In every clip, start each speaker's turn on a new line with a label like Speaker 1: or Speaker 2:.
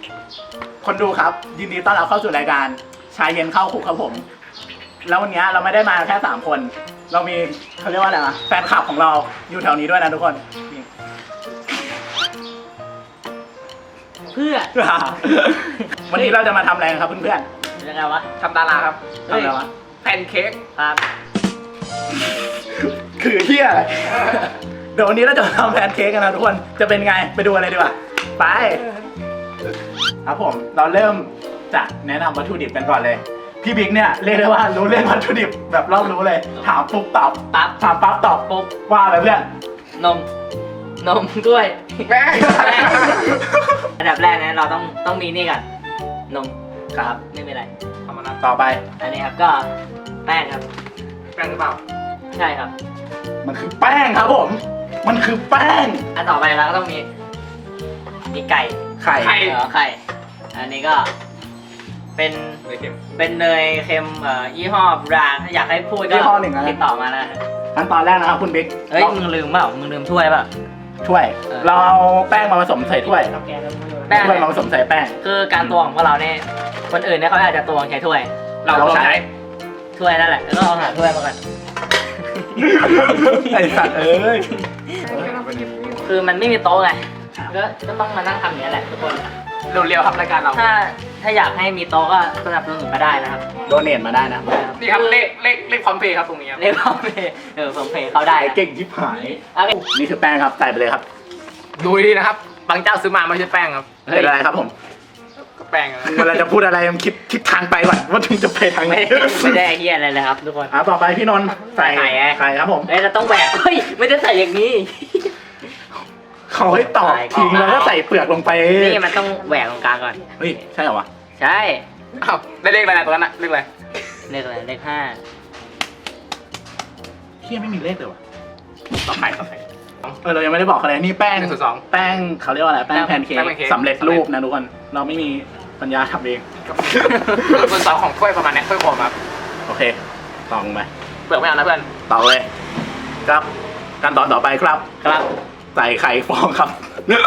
Speaker 1: คนดูครับ ยินดีต้อนรับเข้าสู่รายการชายเย็นเข้าคุกครับผม แล้ววันนี้เราไม่ได้มาแค่3 คน เรามีเขาเรียกว่าอะไรนะแฟนคลับของเราอยู่แถวนี้ด้วยนะทุกคนนี่
Speaker 2: เพื่อ
Speaker 1: วันนี้เราจะมาทำอะไรกันครับเพื่อน
Speaker 2: ยังไงวะ
Speaker 3: ทำดาราครับ
Speaker 1: ๆทำอะไรวะ
Speaker 3: แพนเค้ก
Speaker 2: ครับ
Speaker 1: คือเที่ยอะไร เดี๋ยววันนี้เราจะมาทำแพนเค้กกันนะทุกคนจะเป็นไงไปดูอะไรดีกว่าไปครับผมเราเริ่มจากแนะนำวัตถุดิบกันก่อนเลยพี่บิ๊กเนี่ยเรียกได้ว่ารู้เรื่องวัตถุดิบแบบรอบรู้เลยถามปุ๊บตอบ
Speaker 2: ปั๊บ
Speaker 1: ถามปั๊บตอบ
Speaker 2: ปุ๊บ
Speaker 1: ว่าอะไรเพื่อน
Speaker 2: นม นมด้วย
Speaker 3: แม่
Speaker 2: อันดับแรกนะเราต้องมีนี่ก่อนนมครับไม่เป็นไร
Speaker 3: ทำมานะ
Speaker 1: ต่อไป
Speaker 2: อันนี้ครับก็แป้งครับ
Speaker 3: แป้งหรือเปล่า
Speaker 2: ใช่ครับ
Speaker 1: มันคือแป้งครับผมมันคือแป้ง
Speaker 2: อันต่อไปเราก็ต้องมีไก่
Speaker 1: ไข่
Speaker 3: ไข่
Speaker 2: ไข่ อันนี้ก็เป็น
Speaker 3: เลยเค็ม
Speaker 2: เป็นเนยเค็มยี่ห้อแบรนด์ถ้าอยากให้พูดก็
Speaker 1: ยี่ห้อหนึ่งนะ
Speaker 2: ติดต่อมานะ
Speaker 1: ขั้นตอนแรกนะครับคุณบิ๊ก
Speaker 2: เฮ้ยมึงลืมเปล่ามึงลืมถ้วยเปล่า
Speaker 1: ช่วย
Speaker 2: เออ
Speaker 1: เราเอาแป้งมาผสมใส่ถ้วย
Speaker 2: แป้ง
Speaker 1: ถ้วยมาผสมใส่แป้ง
Speaker 2: คือการตวงของพวกเราเนี่ยคนอื่นเนี่ยเขาอาจจะตวงใช้ถ้วย
Speaker 3: เราต้องใช้
Speaker 2: ถ้วยนั่นแหละแล้วก็เอาหาถ้วยมาก่อน
Speaker 1: ไอ้สัตว์เอ้ย
Speaker 2: คือมันไม่มีโต๊ะไงก็ต้องมานั่งทำอย่างนี้แหละทุกคน
Speaker 3: เร็วๆครับรายการเรา
Speaker 2: ถ้าอยากให้มีโต๊ะก็สนับสนุนมาได้นะครับ
Speaker 1: โดเนทมาได้นะ
Speaker 3: นี่ครับเลขพร้อมเพย์ครับตรงนี้ครับ
Speaker 2: เรียกว่าผมเพย์เขาได้
Speaker 1: ไอ้
Speaker 2: นะ
Speaker 1: เก่งชิบหาย
Speaker 2: โอเค
Speaker 1: นี่คือแป้งครับใส่ไปเลยครับ
Speaker 3: ดูดีนะครับบางเจ้าซื้อมาไม่ใช่แป้งครับ
Speaker 1: เป็นอะไรครับผม
Speaker 3: ก็แป้งนะ
Speaker 1: เวลาจะพูดอะไรมันคิดทิศทางไปก่อนว่าถึงจะไปทางไหน
Speaker 2: ไม่ได้เฮียอะไรเลยครับทุกคน
Speaker 1: ต่อไปพี่นนท์ใส่
Speaker 2: ไข่ไง
Speaker 1: ไข่ครับผม
Speaker 2: เอ้ยเราต้องแหวกเฮ้ยไม่ได้ใส่อย่างนี้
Speaker 1: เขาให้ตอก
Speaker 2: ไข่
Speaker 1: ทิ้งแล้วก็ใส่เปลือกลงไป
Speaker 2: นี่มันต้องแหวกตรงกลางก่อน
Speaker 1: เฮ้ยใช่เหรอวะ
Speaker 2: ใช่
Speaker 3: อ้าวได้เลขอะไรตัวนั้นอะเลขอะไร
Speaker 2: เลขอะไรเลข5
Speaker 1: เฮียไม่มีเลขเลยวะต่อไปเรายังไม่ได้บอกอะไรนี่แป้ง
Speaker 3: 1/2
Speaker 1: แป้งเขาเรียกว่าอะไรแป้งแพนเค้
Speaker 3: แป้งแพนเค้
Speaker 1: ก
Speaker 3: ก
Speaker 1: สำเร็จรูปนะทุกคนเราไม่มีปัญญาทำเอง
Speaker 3: ส่วนสองของถ้วยประมาณนี้ถ้วยโฟมครับ
Speaker 1: โอเคตองไป
Speaker 3: เปลือกไม่เอานะเพื่อน
Speaker 1: ต่อเลยครับขั้นตอนต่อไปครับ
Speaker 2: ครับ
Speaker 1: ใส่ไข่ฟองครับ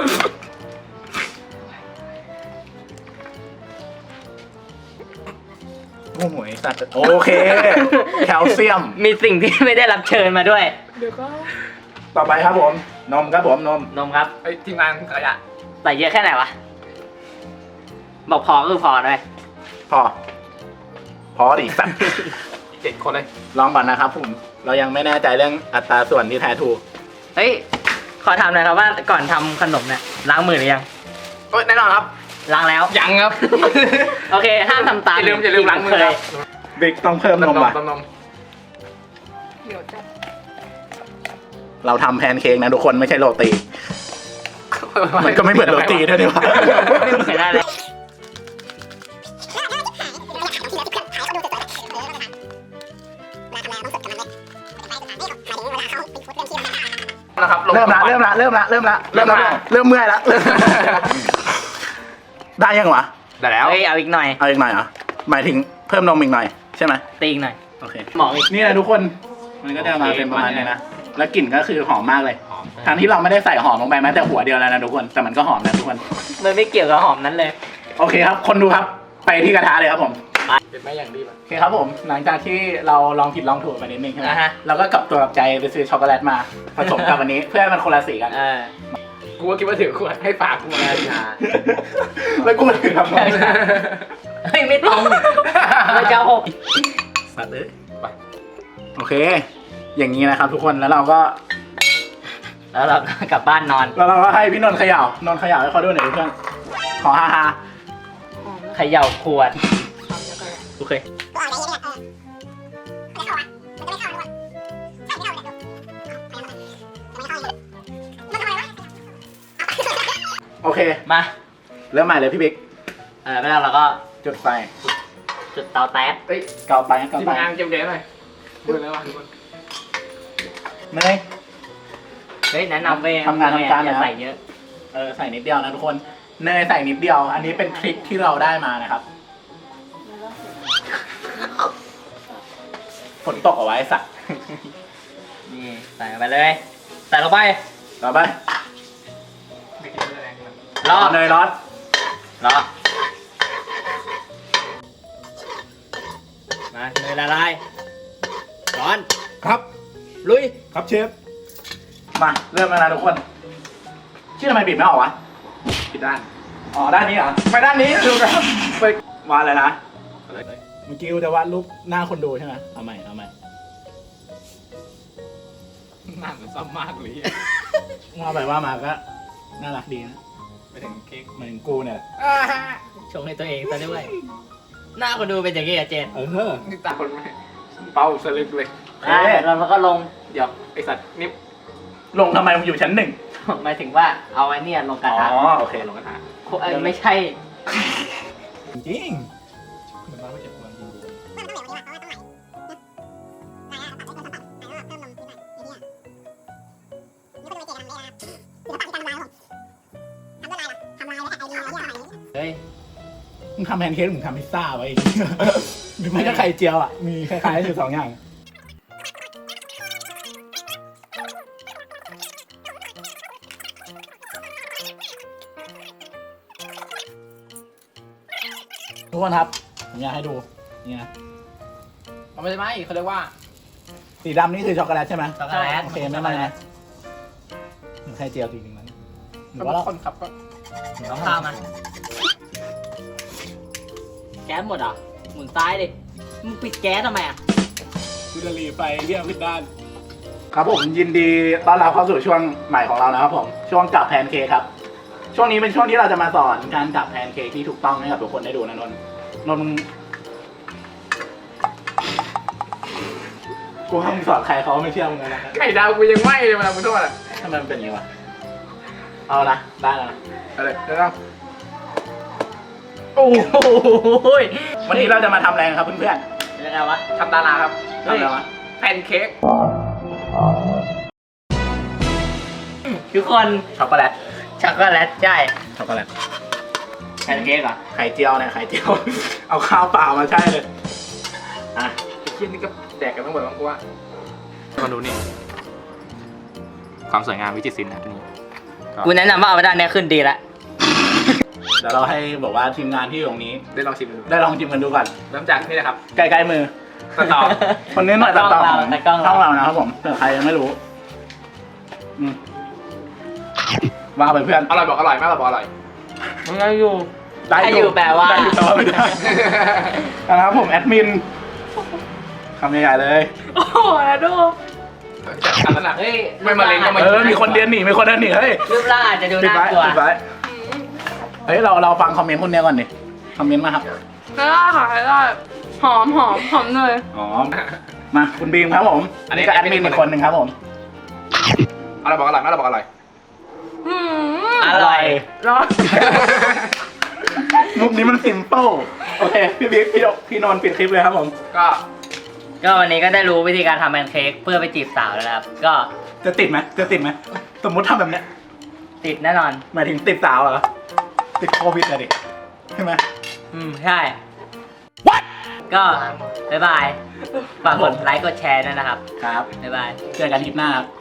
Speaker 1: โอ้โหสัตว์โอเค แคลเซียม
Speaker 2: มีสิ่งที่ไม่ได้รับเชิญมาด้วย
Speaker 1: ต่อไปครับผม นมครับผมนม
Speaker 2: นมครับ
Speaker 3: ไอ้ทีมงานขยะ
Speaker 2: ใส่เยอะแค่ไหนวะ บอกพอก็คือพอเลย
Speaker 1: พอ พอดิสัตว์
Speaker 3: 7 คนเลย
Speaker 1: ลองก่อนนะครับผม เรายังไม่แน่ใจเรื่องอัตราส่วนที่แท้ถูก
Speaker 2: เฮ้ย ขอถามหน่อยครับว่าก่อนทำขนมเนี่ยล้างมือหรือยัง
Speaker 3: เอ้ยแน่นอนครับ
Speaker 2: ล้างแล้ว
Speaker 3: ยังครับ
Speaker 2: โอเค ห้ามทำตาม
Speaker 3: อย่าลืมล้างมือ
Speaker 2: เค
Speaker 3: ครั
Speaker 2: ย
Speaker 3: บ
Speaker 1: บิ๊กต้องเพิ่มนมว่ะ
Speaker 3: นม
Speaker 1: เราทำแพนเค้กนะทุกคนไม่ใช่โรตี มันก็ไม่เหมือนโรตีด้วยนี่หว่า
Speaker 2: ไม่ได้เลย
Speaker 3: นะครับ
Speaker 1: เริ่มละเมื่อยละได้ยังวะ
Speaker 3: ได้แล้ว
Speaker 2: เฮ้ย เอาอีกหน่อย
Speaker 1: เอาอีกหน่อยเหรอหมายถึงเพิ่มนมอีกหน่อยใช่ไหม
Speaker 2: ตีอีกหน่อย
Speaker 1: โอเค
Speaker 2: หมอกอีก
Speaker 1: นี่นะทุกคนมันก็จะมาเป็นประมาณนี้นะแล้วกลิ่นก็คือหอมมากเลยทั้งที่เราไม่ได้ใส่หอมลงไปแม้แต่หัวเดียวแล้วนะทุกคนแต่มันก็หอมนะทุกคน
Speaker 2: มันไม่เกี่ยวกับหอมนั้นเลย
Speaker 1: โอเคครับ คนดูครับไปที่กระทะเลยครับผม
Speaker 3: เป็นไม่อย่างดีป่ะ
Speaker 1: โอเคครับผมหลังจากที่เราลองผิดลองถูกไปนิดนึงใช่ไหม
Speaker 2: อ่าฮะ
Speaker 1: เราก็กลับตัวกลับใจไปซื้อช็อกโกแลตมาผสมกับวันนี้ เพื่อให้มันคนละสีกัน
Speaker 3: กูก็คิดว่าถือขวดให้ฝากกูมา
Speaker 1: แล้วกูถึงทำไง
Speaker 2: เฮ้ย ไม่ตรงไม่เจ้าหก
Speaker 1: สัตว์เลยโอเค อย่างนี้นะครับ ทุกคนแล้วเราก็
Speaker 2: แล้วเราก็กลับบ้านนอน
Speaker 1: แล้วเราก็ให้พี่นนท์เขย่านนท์เขย่าให้เขาด้วยหน่อยเพื่อนขอฮาฮา
Speaker 2: เขย่าขวด
Speaker 1: โอเคโอเค
Speaker 2: มา
Speaker 1: เริ่มใหม่เลยพี่บิ๊ก
Speaker 2: แล้วเราก็
Speaker 1: จุดไฟ
Speaker 2: จุดเตาแต๊ส
Speaker 3: เฮ้ย
Speaker 1: เกาไปเกา
Speaker 3: ทีม
Speaker 1: ไป
Speaker 3: งานเก็บเดี๋ยวหน่อยมือแล้วว่ะทุกคน
Speaker 1: เนย
Speaker 2: เฮ้ยแนะนำไป
Speaker 1: ทำงานทำการ
Speaker 2: อย่า
Speaker 1: นะครับ
Speaker 2: ใส่เยอะ
Speaker 1: ใส่นิดเดียวนะทุกคนเนยใส่นิดเดียว อันนี้เป็นทริคที่เราได้มานะครับฝนตกเอาไว้สัตว์
Speaker 2: นี่ใส่ไปเลย ใส่ลงไป
Speaker 1: ต่อไป
Speaker 3: ไม่คิดว่าจะแรงขนาดนั้น
Speaker 2: รอ
Speaker 1: เนยร้อน
Speaker 2: รอมามือละลายร้อน
Speaker 1: ครับ
Speaker 2: ลุย
Speaker 1: ครับเชฟ มาเริ่มแล้วนะทุกคนชื่อทำไมปิดไม่ออกวะ
Speaker 3: ผิดด้าน
Speaker 1: อ๋อด้านนี้เหรอ
Speaker 3: ไปด้านนี้ดูครับไป
Speaker 1: มาเลยนะ
Speaker 3: อะไร
Speaker 1: เมื่อกี้กูจะวาดรูปหน้าคนดูใช่ไหมเอาใหม่
Speaker 3: หน้าเหมือนซ้ำมากเลย
Speaker 1: ว่าไปว่ามาก็น่ารักดีนะ
Speaker 3: ไปถึงเค้ก
Speaker 1: เหมือนกูเนี่ย
Speaker 2: ชงให้ตัวเองซะด้วย หน้าคนดูเป็นอย่างนี้อะเจน
Speaker 1: เออ
Speaker 3: นี่ตาคนไม่เป้าสลึกเลย
Speaker 2: แล้วก็ลง
Speaker 3: เดี๋ยวไอสัตว์นิบ
Speaker 1: ลงทำไมมึงอยู่ชั้นหนึ่ง
Speaker 2: หมายถึงว่าเอาไอ้เนี่ยลงกระ
Speaker 1: อ๋
Speaker 2: ทะ
Speaker 1: อโอเคลงกระทะ
Speaker 2: ไม่ใช่
Speaker 1: จริงเหมือนมาไม่เจ็บความจริง
Speaker 2: เฮ้ย
Speaker 1: มึงทำแพนเค้กมึงทำพิซซ่าไว้อีก หรือไม่ก็ไข่เจียวอ่ะมีคล้ายๆอยู่สองอย่างทุกคนครับผมอยากให้ดูนี่นะ
Speaker 3: มันไม่ใช่ไหมเขาเรียกว่า
Speaker 1: สีดำนี่คือช็อกโกแลตใช่ไหม
Speaker 2: ช็อกโกแลต
Speaker 1: โอเคไม่เป็นไรนะเหมือนไข่เจียวจริงๆมันหรือ
Speaker 3: ก็
Speaker 1: ว่าเรา
Speaker 3: คนขับก็
Speaker 2: ต้องข้าวมาแก๊สหมดเหรอหมุนซ้ายดิมึงปิดแก๊สทำไมอ่ะ
Speaker 1: คุณจะรีไปเรียกพิดด้าน ครับผมยินดีต้อนรับเข้าสู่ช่วงใหม่ของเรานะครับผมช่วงจับแพนเค้กครับ ช่วงนี้เป็นช่วงที่เราจะมาสอนการจับแพนเค้กที่ถูกต้องให้กับทุกคนได้ดูนะนนท์มึงกูให้มึงสอนใครเขาไม่เชื่อมึงเลยนะ
Speaker 3: ไข่ดาวกูยังไหม้เลยเวลามึงทอดอ่ะ
Speaker 1: ทำไมมันเป็นอย่างนี้วะเอานะได้แล้วนะ
Speaker 3: อะไรเดี๋ยวเรา
Speaker 2: โอ้โห
Speaker 1: วันนี้เราจะมาทำอะไรกันครับเพื่อน
Speaker 2: ยังไงวะ
Speaker 3: ทำดาราครับ
Speaker 1: ๆทำอะไรวะ
Speaker 3: แพนเค้ก
Speaker 2: ทุกคน
Speaker 1: ช็อกโกแลต
Speaker 2: ช็อกโกแลตใช่
Speaker 1: ช็อกโกแลต
Speaker 2: แพนเค้กเหรอ
Speaker 1: ไข่เจียวเนี่ยไข่เจียว เอาข้าวเปล่ามาใช่เลยอ่ะ
Speaker 3: ไอ้เคี้ยนี่ก็แดกกันทั้งหมดมั้งกูว่ามาดูนี่ความสวยงามวิจิตรศิลป์นะนี่
Speaker 2: กูแนะนำว่าเอาไปด้านเนี้ยขึ้นดีละ
Speaker 1: เดี๋ยวเราให้บอกว่าทีมงานที่อยู่ตรงนี้
Speaker 3: ได้ลองชิมดู
Speaker 1: ได้ลองชิมกันดูก่อน
Speaker 3: เริ่มจากนี่นะครับ
Speaker 1: ใกล้ๆมือ
Speaker 3: ตัดต่อ
Speaker 1: คนนี้หน่อยตัดต่อของ
Speaker 2: แต่กล้อง
Speaker 1: ช่อง
Speaker 2: เรา
Speaker 1: เรานะครับผมเผื่อใครยังไม่รู้อืมว่าไปเพื่อน
Speaker 3: อร่อยบอกอร่อยไม่อร่อยบอกอร่อย
Speaker 2: มึงยังอยู่
Speaker 1: ได้
Speaker 2: ให้อยู่แปลว่า
Speaker 1: ได้อยู่แปลว่าไม่ได้นะครับผมแอดมินคำใหญ่ๆเลย
Speaker 2: โอ้โหแล้วดู
Speaker 3: จัดการแล้วนะ
Speaker 2: เฮ้ย
Speaker 3: ไม่มาเล่นก็มา
Speaker 1: มีคนเดียนหนีมีคนเดินหนีเฮ้ย
Speaker 2: รูปร่างอาจจะดู
Speaker 1: ปิด
Speaker 2: น่า
Speaker 1: ไว้
Speaker 2: กลัว
Speaker 1: ปิดไว้เฮ้ยเราฟังคอมเมนต์คนเนี้ยก่อนดิคอมเมนต์มาครับ
Speaker 4: ได้ค่ะได้หอมเลย
Speaker 1: อ๋อมาคุณบีมครับผมอันนี้ก็แอดมินอีกคนหนึ่งครับผม
Speaker 3: อร่อยบอกอร่อยไม่อร่อยบอกอร่อย
Speaker 4: อืม
Speaker 2: อร่อย
Speaker 4: ร้อน
Speaker 1: มุกนี้มันซิมเปิลโอเคพี่บิ๊กพี่นนท์ปิดคลิปเลยครับผม
Speaker 3: ก็
Speaker 2: ก็วันนี้ก็ได้รู้วิธีการทำแพนเค้กเพื่อไปจีบสาวแล้วนะครับ ก็
Speaker 1: จะติดไหมสมมุติทำแบบเนี้ย
Speaker 2: ติดแน่นอน
Speaker 1: หมายถึงติดสาวเหรอติดโควิดอะดิใช่ไหม
Speaker 2: ใช่ ก็บ๊ายบาย ฝากกดไลค์กดแชร์ด้วยนะครับ
Speaker 1: ครับ
Speaker 2: บ๊ายบาย
Speaker 1: เจอกันคลิปหน้าครับ